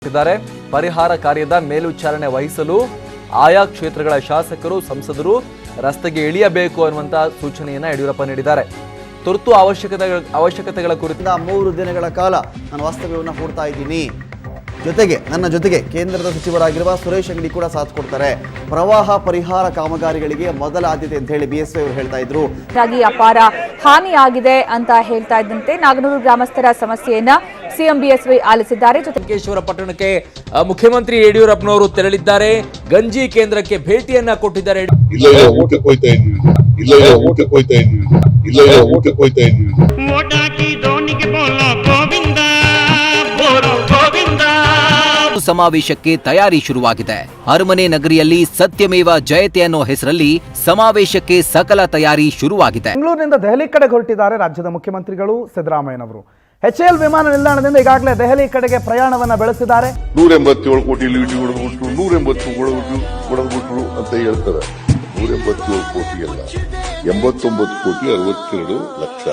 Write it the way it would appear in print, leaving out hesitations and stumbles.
ಪರಿಹಾರ ಕಾರ್ಯದ ಮೇಲ್ವಿಚಾರಣೆ ವಹಿಸಲು ಆಯಾ ಕ್ಷೇತ್ರಗಳ ಶಾಸಕರು ಸಂಸದರು ರಸ್ತೆಗೆ ಇಳಿಯಬೇಕು ಅನ್ನುವಂತ ಸೂಚನೆಯನ್ನ ಯಡಿಯೂರಪ್ಪ ನೀಡಿದ್ದಾರೆ. ತುರ್ತು ಅವಶ್ಯಕತೆಗಳ ಕುರಿತು 3 ದಿನಗಳ ಕಾಲ ನಾನು ವಾಸ್ತವ್ಯವನ್ನು ಹೂಡ್ತಾ ಇದ್ದೀನಿ. ನನ್ನ ಜೊತೆಗೆ ಕೇಂದ್ರದ ಸಚಿವರಾಗಿರುವ ಸುರೇಶ್ ಅಂಗಡಿ ಕೂಡ ಸಾಥ್ ಕೊಡ್ತಾರೆ. ಪ್ರವಾಹ ಪರಿಹಾರ ಕಾಮಗಾರಿಗಳಿಗೆ ಮೊದಲ ಆದ್ಯತೆ ಅಂತ ಹೇಳಿ ಬಿಎಸ್ವೈ ಅವರು ಹೇಳ್ತಾ ಇದ್ರು. ಅಪಾರ ಹಾನಿಯಾಗಿದೆ ಅಂತ ಹೇಳ್ತಾ ಇದ್ದಂತೆ ನಾಗನೂರು ಗ್ರಾಮಸ್ಥರ ಸಮಸ್ಯೆಯನ್ನ ಸಿಎಂ ಬಿಎಸ್ವೈ ಆಲಿಸಿದ್ದಾರೆ. ಲಂಕೇಶ್ವರ ಪಟ್ಟಣಕ್ಕೆ ಮುಖ್ಯಮಂತ್ರಿ ಯಡಿಯೂರಪ್ಪನವರು ತೆರಳಿದ್ದಾರೆ. ಗಂಜಿ ಕೇಂದ್ರಕ್ಕೆ ಭೇಟಿಯನ್ನ ಕೊಟ್ಟಿದ್ದಾರೆ. ಸಮಾವೇಶಕ್ಕೆ ತಯಾರಿ ಶುರುವಾಗಿದೆ. ಅರಮನೆ ನಗರಿಯಲ್ಲಿ ಸತ್ಯಮೇವ ಜಯತೆ ಅನ್ನೋ ಹೆಸರಲ್ಲಿ ಸಮಾವೇಶಕ್ಕೆ ಸಕಲ ತಯಾರಿ ಶುರುವಾಗಿದೆ. ಬೆಂಗಳೂರಿನಿಂದ ದೆಹಲಿ ಕಡೆಗೆ ಹೊರಟಿದ್ದಾರೆ ರಾಜ್ಯದ ಮುಖ್ಯಮಂತ್ರಿಗಳು ಸಿದ್ದರಾಮಯ್ಯನವರು. HAL ವಿಮಾನ ನಿಲ್ದಾಣದಿಂದ ಈಗಾಗಲೇ ದೆಹಲಿ ಕಡೆಗೆ ಪ್ರಯಾಣವನ್ನ ಬೆಳೆಸಿದ್ದಾರೆ. 187 ಕೋಟಿ ಲೀಟಿ ಹೊಡೆದ್ಬಿಟ್ರು, 180 ಹೊಡೆದ್ಬಿಟ್ರು ಅಂತ ಹೇಳ್ತಾರೆ. 187 ಕೋಟಿ ಅಲ್ಲ, 89 ಕೋಟಿ 62 ಲಕ್ಷ.